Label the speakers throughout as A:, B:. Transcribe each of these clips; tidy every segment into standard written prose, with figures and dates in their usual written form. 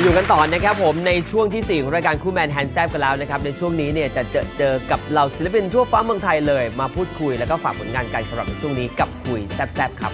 A: อยู่กันต่อนะครับผมในช่วงที่4ของรายการคู่แมนแฮนด์แซบกันแล้วนะครับในช่วงนี้เนี่ยจะเจอกับเหล่าศิลปินทั่วฟ้าเมืองไทยเลยมาพูดคุยแล้วก็ฝากผลงานกันสำหรับในช่วงนี้กับคุยแซบๆครับ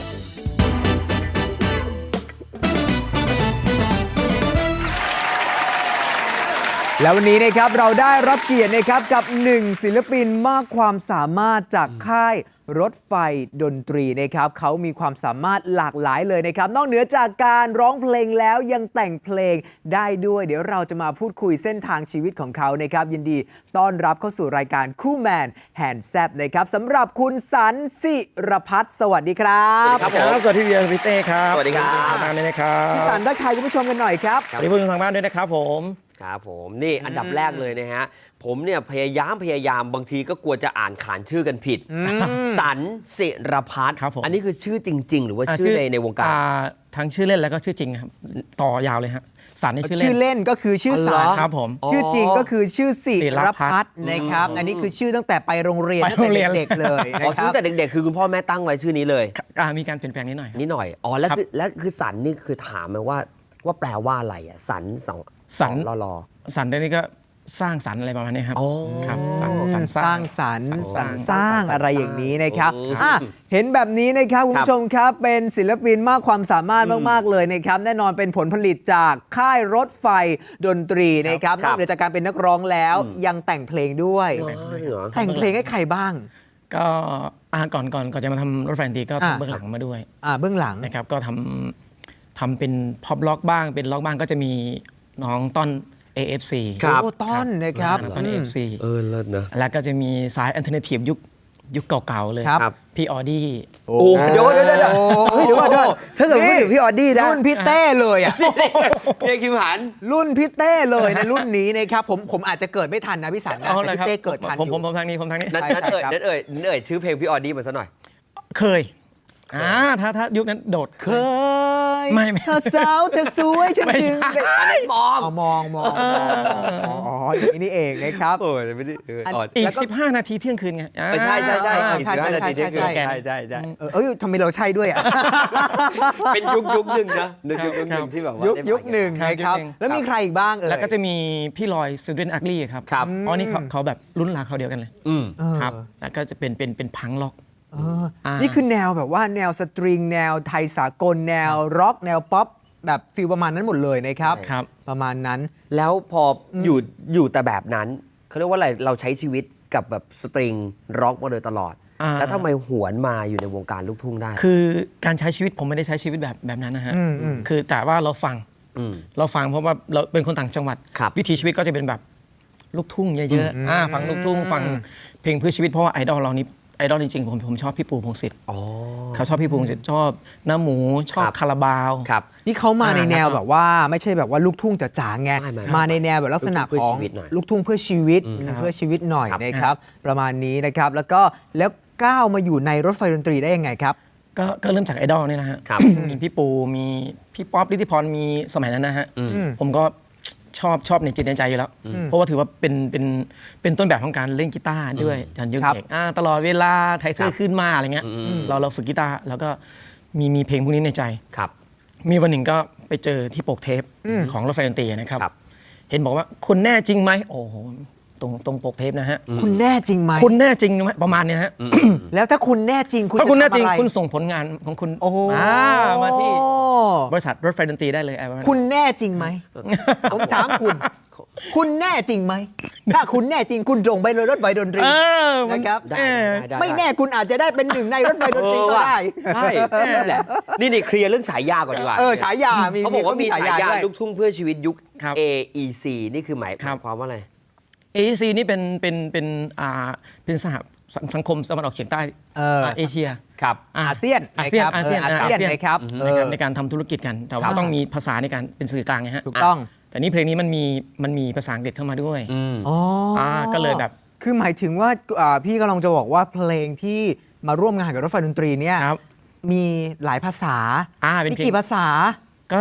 B: แล้ววันนี้นะครับเราได้รับเกียรตินะครับกับ1ศิลปินมากความสามารถจากค่ายรถไฟดนตรีนะครับเขามีความสามารถหลากหลายเลยนะครับนอกเหนือจากการร้องเพลงแล้วยังแต่งเพลงได้ด้วยเดี๋ยวเราจะมาพูดคุยเส้นทางชีวิตของเขานะครับยินดีต้อนรับเข้าสู่รายการคู่แมนแฮนด์แซบนะครับสำหรับคุณสันศิรพัฒน์สวัสดีครับ
C: สวัสดีพี่เบียร์พี่เต้ครับ
A: สวัสดีครับ
C: ทางบ้านด้วยนะครับ
B: พี่สันทักทายคุณผู้ชมกันหน่อยครับ
C: สวัสดีผู้ชมทางบ้านด้วยนะครับผม
A: ครับผมนี่อันดับแรกเลยนะฮะผมเนี่ยพยายามบางทีก็กลัวจะอ่านขานชื่อกันผิดสันศิรพัฒน์อันนี้คือชื่อจริงๆหรือว่าชื่อในวงการ
C: ทั้งชื่อเล่นแล้วก็ชื่อจริงครับต่อยาวเลยฮะสันนี่ชื่อเล่น
B: ชื่อเล่นก็คือชื่อสัน
C: ครับผม
B: ชื่อจริงก็คือชื่อศิรพัฒน์นะครับอันนี้คือชื่อตั้งแต่ไปโรงเรียนตั้งแต่เด็กๆเลยนะ
A: อ๋อ
B: ครั
A: ชื่
B: บ
A: อแต่เด็กๆคือคุณพ่อแม่ตั้งไว้ชื่อนี้เลย
C: มีการเปลี่ยนแปลงนิดหน่อย
A: นิดหน่อยอ๋อแล้วคือสันนี่คือถามไหมว่าแปลว่าอะไรอ่ะสันรอ
C: สันนี่ก็สร้างสรรค์อะไรประมาณนี้ครับครับสัน
B: สร้างสรรค์
C: สร้าง
B: สร้างอะไรอย่างนี้นะครับ
A: โอ้
B: เห็นแบบนี้นะครับคุณผู้ชมครับเป็นศิลปินมากความสามารถมากๆเลยนะครับแน่นอนเป็นผลผลิตจากค่ายรถไฟดนตรีนะครับนอกเหนือจากการเป็นนักร้องแล้วยังแต่งเพลงด้วย แต่งเพลงให้ใครบ้าง
C: ก็ก่อนจะมาทำรถไฟดนตรีก็ทำเบื้องหลังมาด้วย
B: เบื้องหลัง
C: นะครับก็ทำเป็นพ็อปล็อกบ้างเป็นล็อกบ้างก็จะมีน้องต้น AFC
A: ครับ
B: โอ้ต้นนะครับ
C: ต้น AFC
A: เลิศเนอะ
C: แล้วก็จะมีสายอัลเทอร์เนทีฟยุคเก่าๆเลย
B: ครับ
C: พี่ออดี้
A: โอ้เดี๋ยวถ้าเกิดพูดถึงพี่ออดี้นะ
B: รุ่นพี่เต้เลยอ่ะ
A: พี่คิมหัน
B: รุ่นพี่เต้เลยในรุ่นนี้นะครับผมอาจจะเกิดไม่ทันนะพี่สันนะแต่พี่เต้เกิดทันอยู่
C: ผมทางนี้
A: นั่นเอ่ยชื่อเพลงพี่ออดี้มาซะหน่อย
C: เคยถ้ายุคนั้นโดด
B: เคย
C: ไม่
B: เธอสาวเธอสวยฉันจึง
C: ไม่ใช่
A: อันนั้นมอง
B: มองอ๋ออย่างนี้นี่เองนะครับ
A: โอ้ยไม่ได้
C: อีก15 นาทีเที่ยงคืนไง
A: ใช่
B: ใช่ทำไมเราใช่ด้วยอ่ะ
A: เป็นยุคหนึ่งนะยุคหนึ่งที่แบบว่า
B: ยุคหนึ่งนะครับแล้วมีใครอีกบ้าง
C: แล้วก็จะมีพี่ลอยซูเดนอักลี่ครับอ๋อนี่เขาแบบรุ่นราวเขาเดียวกันเลยครับแล้วก็จะเป็นพังล็อก
B: นี่คือแนวแบบว่าแนวสตริงแนวไทยสากลแนวร็อกแนวป๊อปแบบฟีลประมาณนั้นหมดเลยนะครับประมาณนั้น
A: แล้วพออยู่แต่แบบนั้นเขาเรียกว่าอะไรเราใช้ชีวิตกับแบบสตริงร็อกมาโดยตลอดแล้วทำไมหวนมาอยู่ในวงการลูกทุ่งได้
C: คือการใช้ชีวิตผมไม่ได้ใช้ชีวิตแบบนั้นนะฮะคือแต่ว่าเราฟังเพราะว่าเราเป็นคนต่างจังหวัดวิถีชีวิตก็จะเป็นแบบลูกทุ่งเยอะๆฟังลูกทุ่งฟังเพลงเพื่อชีวิตเพราะว่าไอดอลเรานี่ไอดอลจริงๆผมชอบพี่ปูพงษ์สิทธิ์เขาชอบพี่ปูพงษ์สิทธิ์ชอบน้าหมูชอบคาราบาว
B: นี่เขามาในแนวแบบว่าไม่ใช่แบบว่าลูกทุ่งจ๋าๆไงมาในแนวแบบลักษณะของลูกทุ่งเพื่อชีวิตหน่อยนะครับประมาณนี้นะครับแล้วก้าวมาอยู่ในรถไฟดนตรีได้ยังไงครับ
C: ก็เริ่มจากไอดอลนี่นะฮะมีพี่ปูมีพี่ป๊อปฤทธิพรมีสมัยนั้นนะฮะผมก็ชอบในจิตในใจอยู่แล้วเพราะว่าถือว่าเป็นต้นแบบของการเล่นกีตาร์ด้วยจันยุเด็กตลอดเวลาไทเทอร์ขึ้นมาอะไรเงี้ยเราฝึกกีตาร์แล้วก็มีเพลงพวกนี้ในใจมีวันหนึ่งก็ไปเจอที่ปกเทปของรถไฟดนตรีนะครับเห็นบอกว่าคุณแน่จริงไหมโอ้โหตรงปกเทปนะฮะ
B: คุณแน่จริงไหม
C: คุณแน่จริงไหมประมาณนี้นะฮะ
B: แล้วถ้าคุณแน่จริง
C: ถ้าคุณแน่จริงคุณส่งผลงานของคุณมาที่บริษัทรถไฟดนตรีได้เลย
B: คุณแน่จริงไหมผมถามคุณแน่จริงไหมถ้าคุณแน่จริงคุณส่งไปเลยรถไฟดนตรีนะครับไม่แน่คุณอาจจะได้เป็นหนึ่งในรถไฟดนตรีก็ได้
A: ใช่แหละนี่เคลียร์เรื่องฉายาก่อนดีกว่า
B: ฉายา
A: เขาบอกว่ามีฉายาลูกทุ่งเพื่อชีวิตยุค AEC นี่คือหมายความว่าอะไร
C: AEC นี่เป็นสหสังคมตะวันออกเฉียงใต้เอเชีย
B: อาเซียน
C: นะครับในการทำธุรกิจกันแต่ว่าต้องมีภาษาในการเป็นสื่อกลางไงฮะ
B: ถูกต้อง
C: แต่นี่เพลงนี้มันมีภาษาอังกฤษเข้ามาด้วยก็เลยแบบ
B: คือหมายถึงว่าพี่กำลังจะบอกว่าเพลงที่มาร่วมงานกับรถไฟดนตรีเนี่ยมีหลายภาษามีกี่ภาษา
C: ก็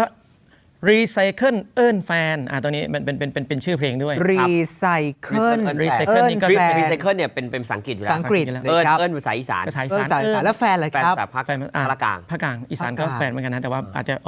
C: Recycle เอิ้นแฟนตัวนี้เป็นชื่อเพลงด้วย
B: Recycle
A: เนี่ยเป็นภาษาอังกฤษอยู่แล้วเอิ้นภาษาอีสาน
B: แล้วแฟนอะไรครับ
A: ภาคกลาง
C: ภาคกลางอีสานก็แฟนเหมือนกันนะแต่ว่าอาจจะออก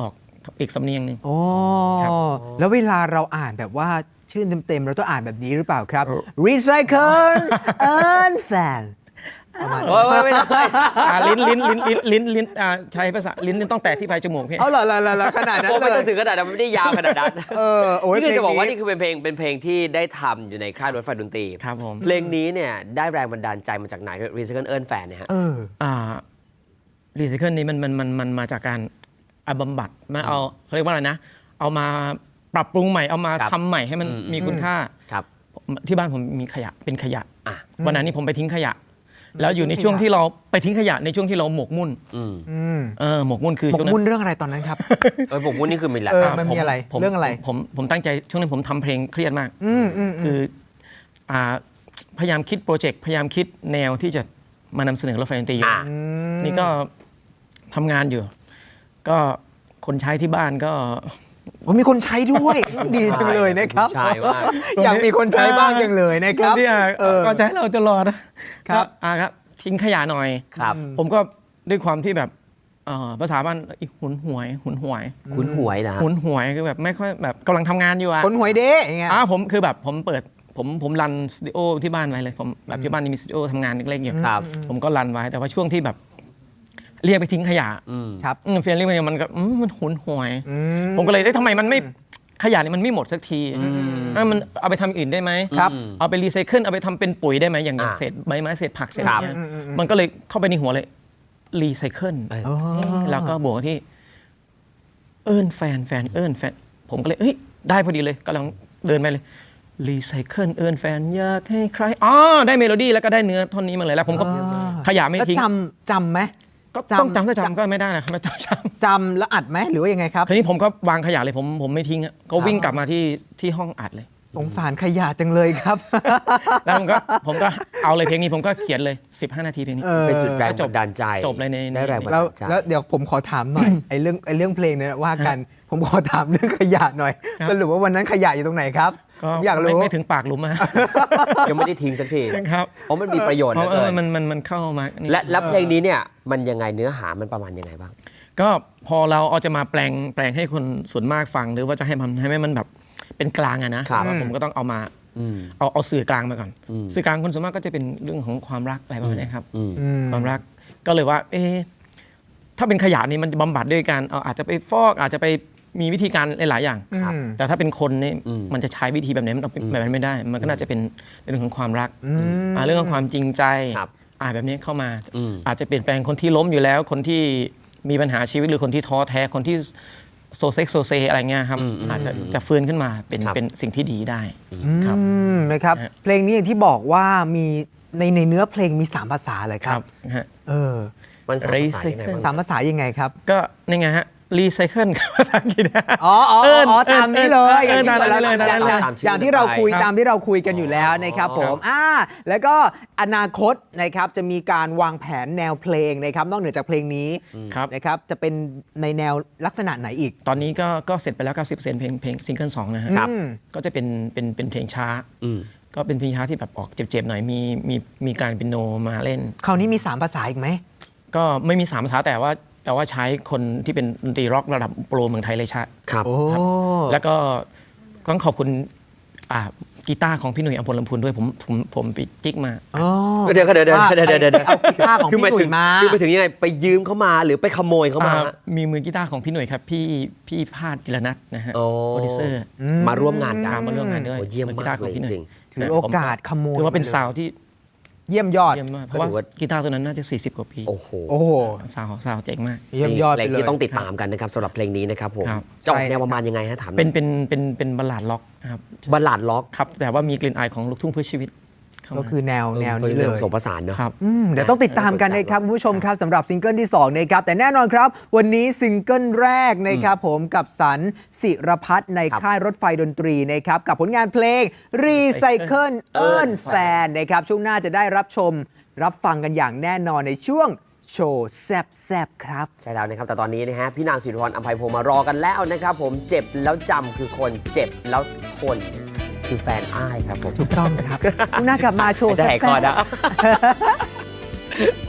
C: อีกสำเนียงหนึ่ง
B: โอ้
C: ครับ
B: แล้วเวลาเราอ่านแบบว่าชื่อเต็มๆเราต้องอ่านแบบนี้หรือเปล่าครับ Recycle Earn Fan ประมาณนั้น
A: ไม่ได้
C: ลิ้นใช้ภาษาลิ้นต้องแตะที่ปลายจมูกพี่
B: เอาเหรอขนาดนั้น
A: โอ้
B: เล
A: ไม่ต้
B: ย
A: องถึงขนาดนั้นมันไม่ได้ยาวขนาดนั้น
B: โอ้ย
A: นี่คือจะบอกว่า
B: เพลง
A: นี่คือเป็นเพลงที่ได้ทำอยู่ในค่ายรถไฟดนตรี
C: ครับผม
A: เพลงนี้เนี่ยได้แรงบันดาลใจมาจากไหน Recycle Earn Fan เนี่ยฮะ
C: รีไซเคิลนี้มันมาจากการบำบัดมาเอาเขาเรียกว่าอะไรนะ เอามาปรับปรุงใหม่เอามา
A: ครับ
C: ทำใหม่ให้มันมีคุณค่า
A: ครับ
C: ที่บ้านผมมีขยะเป็นขยะ
A: อ่ะ
C: วันนั้นนี่ผมไปทิ้งขยะ แล้วอยู่ในช่วงที่เราไปทิ้งขยะในช่วงที่เราหมกมุ่น
A: อืม
C: หมกมุ่นคือ
B: หมก
C: ช่วงนั้
B: มุ่น
C: น
B: เรื่องอะไรตอนนั้นครับ
A: ผมพูดนี่คือมีแหละ
B: มันมีอะไร
C: ผม
B: เรื่องอะไร
C: ผมตั้งใจช่วงนั้นผมทำเพลงเครียดมาก คือพยายามคิดโปรเจกต์พยายามคิดแนวที่จะมานำเสนอรถไฟดนตรีอยู่
A: อ่ะ
C: นี่ก็ทำงานอยู่ ก็คนใช้ที่บ้านก็
B: มีคนใช้ด้วย ดีจังเลยนะครับ
A: ใช่มาก
B: อยากมีคนใช้บ้างจังเลยนะครับ
C: ที่
B: เออ
C: ก็ใช้เราตลอดนะครับ ครับทิ้งขยะหน่อย
A: ครับ
C: ผมก็ด้วยความที่แบบภาษาบ้านหุนหวย
A: คุ้นหวยนะฮะ
C: หุนหวยคือแบบไม่ค่อยแบบกำลังทำงานอยู่อะ
B: คนหวยเด้อย่างเงี้ย
C: ผมคือแบบผมเปิดผมรันสตูดิโอที่บ้านไว้เลยผมแบบที่บ้านนี่มีสตูดิโอทำงานเล็กๆอยู่
A: ครับ
C: ผมก็รันไว้แต่ว่าช่วงที่แบบเรียกไปทิ้งขยะ
B: ครับ
C: เฟียนเรียกไปมันก็มันหุนหวย ผมก็เลยทำไมมันไม่ขยะนี่มันไม่หมดสักทีมันเอาไปทำอื่นได้ไหม
B: ครับ
C: เอาไปรีไซเคิลเอาไปทำเป็นปุ๋ยได้ไหมอย่าง
A: อ่า
C: เศษใบไม้เศษผักเศษ
A: ครับ
C: เนี้ยมันก็เลยเข้าไปในหัวเลยรีไซเคิล
B: อ๋อ
C: แล้วก็บวกที่เอิ้นแฟนผมก็เลยได้พอดีเลยกำลังเดินไปเลยรีไซเคิลเอิ้นแฟนอยากให้ใครได้เมโลดี้แล้วก็ได้เนื้อท่อนนี้มาเลยแล้วผมก็ขยะไม่
B: แล้ว
C: ทิ้ง
B: จำไหม
C: ก็ต้องจำถ้าจำก็ไม่ได้นะครับไม่ต้องจำ
B: จำแล้วอัดไหมหรือว่ายังไงครับ
C: ทีนี้ผมก็วางขยะเลยผมไม่ทิ้งอะก็วิ่งกลับมาที่ห้องอัดเลย
B: สงสารขยะจังเลยครับ
C: แล้วผมก็เอาเลยเพลงนี้ผมก็เขียนเลย 15 นาทีเพลงนี้
A: เป็นจุดแรงบันดาลใจ
C: จบเลยใน
A: ได้แรงบัน
B: แล้ว
A: ดาลใจ
B: แล้วเดี๋ยวผมขอถามหน่อย ไอ้เรื่องเพลงเนี่ยว่ากัน ผมขอถามเรื่องขยะหน่อย
C: ครับ
B: สรุปว่าวันนั้นขยะอยู่ตรงไหนครับ
C: ก็
B: ผมอยากรู้
C: ไม่ถึงปากหลุมอะ
A: ยังไม่ได้ทิ้งสักที
C: ครับ
A: เพราะมันมีประโยชน์
C: เพ
A: เหลื
C: ราะ
A: อเกิน
C: มันเข้ามานี่
A: และเพลงนี้เนี่ยมันยังไงเนื้อหามันประมาณยังไงบ้าง
C: ก็พอเราเอาจะมาแปลงให้คนส่วนมากฟังหรือว่าจะให้มันแบบเป็นกลางอะนะครับ ว่าผมก็ต้องเอามาเอาสื่อกลางมาก่อน สื่อกลางคนส่วนมากก็จะเป็นเรื่องของความรักอะไรประมาณนี้ครับความรักก็เลยว่าถ้าเป็นขยะนี่มันจะบำบัดด้วยการอาจจะไปฟอกอาจจะไปมีวิธีการหลายๆอย่าง
B: ครับ
C: แต่ถ้าเป็นคนนี่มันจะใช้วิธีแบบไหนมันเอาแบบนั้นไม่ได้ มันก็น่าจะเป็นเรื่องของความรักเรื่องของความจริงใจ
A: ครับ
C: แบบนี้เข้ามาอาจจะเปลี่ยนแปลงคนที่ล้มอยู่แล้ว คนที่มีปัญหาชีวิตหรือคนที่ท้อแท้คนที่โซเซอะไรเงี้ยครับอาจจะฟื้นขึ้นมาเป็นสิ่งที่ดีได้ครับ
B: นะครับ
C: ฮะ
B: เพลงนี้อย่างที่บอกว่ามีในเนื้อเพลงมี 3 ภาษาเลยครับ
C: ฮะ
B: เออ
A: มันสามภาษายังไงบ้าง
B: 3 ภาษายังไงครับ
C: ก็นี่ไงฮะรีไซเคิลภาษาอังกฤษ
B: ตามนี้เลย
C: ตามนั้นเลย
B: อย่างที่เราคุยกันอยู่แล้วนะครับผมแล้วก็อนาคตนะครับจะมีการวางแผนแนวเพลงนะครับนอกเหนือจากเพลงนี้
C: ครับ
B: นะครับจะเป็นในแนวลักษณะไหนอีก
C: ตอนนี้ก็เสร็จไปแล้ว 90%เพลงซิงเกิล2นะฮะ
A: ครับ
C: ก็จะเป็นเพลงช้า ก็เป็นเพลงช้าที่แบบออกเจ็บๆหน่อยมีการเปียโนมาเล่น
B: คราวนี้มี 3 ภาษาอีกไหม
C: ก็ไม่มี3ภาษาแต่ว่าใช้คนที่เป็นดนตรีร็อกระดับโปรเมืองไทยเลยใช่
A: ครับ
B: โอ้
C: แล้วก็ต้องขอบคุณกีตาร์ของพี่หนุ่ยอัมพลลำพูนด้วยผมไปจิกมา
A: เดี๋ยว
B: เอากีตาร์ของพี่หนุ่ยมา
A: คือไปถึงยังไงไปยืมเขามาหรือไปขโมยเขามา
C: มีมือกีตาร์ของพี่หนุ่ยครับพี่พาดจิรนัทนะฮะ
A: โอ้
C: โปรดิวเซอร์
A: มาร่วมงานกัน
C: มาร่วมงานด้วย
A: โอ้เยี่ยม
C: กี
A: มา
C: ตาก ร์ข
A: เล
C: อง
A: ย
C: พี่หนุ่ย
A: จริง
B: ถือโอกาสขโมย
C: ถือว่าเป็นซาวด์ที่
B: เยี่ยมยอด
C: เยี่ยมมากเพราะว่า
A: ถือว่า
C: กีตาร์ตัวนั้นน่าจะ40 กว่าปี
A: โอ้โห
B: โอ้โห
C: ซาวด์เจ๋งมาก
B: เยี่ยมยอด
A: เพ
B: ไป
A: ลง
B: เลย
A: ที่ต้องติดตามกันนะครับสำหรับเพลงนี้นะครับผม
C: ครับ
A: จะออกแนวประมาณยังไงฮะถามหน่อย
C: เป็นบัลลาดล็อกนะครับ
A: บัลลาดล็อก
C: ครับแต่ว่ามีกลิ่นอายของลูกทุ่งเพื่อชีวิตเข้า
B: ก็
C: มา
B: คือแนวนี้เล
A: เรื่อย งผสมผสานเนอะ
C: ครับ
B: เดี๋ยวต้องติดตามกันนะครับคุณผู้ชมครับสำหรับซิงเกิลที่2นะครับแต่แน่นอนครับวันนี้ซิงเกิลแรกนะครับผมกับสันศิรพัฒน์ใน
A: ครับ
B: ค่ายรถไฟดนตรีนะครับกับผลงานเพลง Recycle Earn Fan นะครับช่วงหน้าจะได้รับชมรับฟังกันอย่างแน่นอนในช่วงโชว์แซบๆครับ
A: ใช่แล้วนะครับแต่ตอนนี้นะฮะพี่นางศิริพรอัมไพพงศ์มารอกันแล้วนะครับผมเจ็บแล้วจำคือคนเจ็บแล้วทนคือแฟนอ้ายครับผม
B: ถูกต้องครับช่วงหน้ากลับมาโชว์
A: จะ
B: แซ
A: แหกคอบ นะ
B: ๆ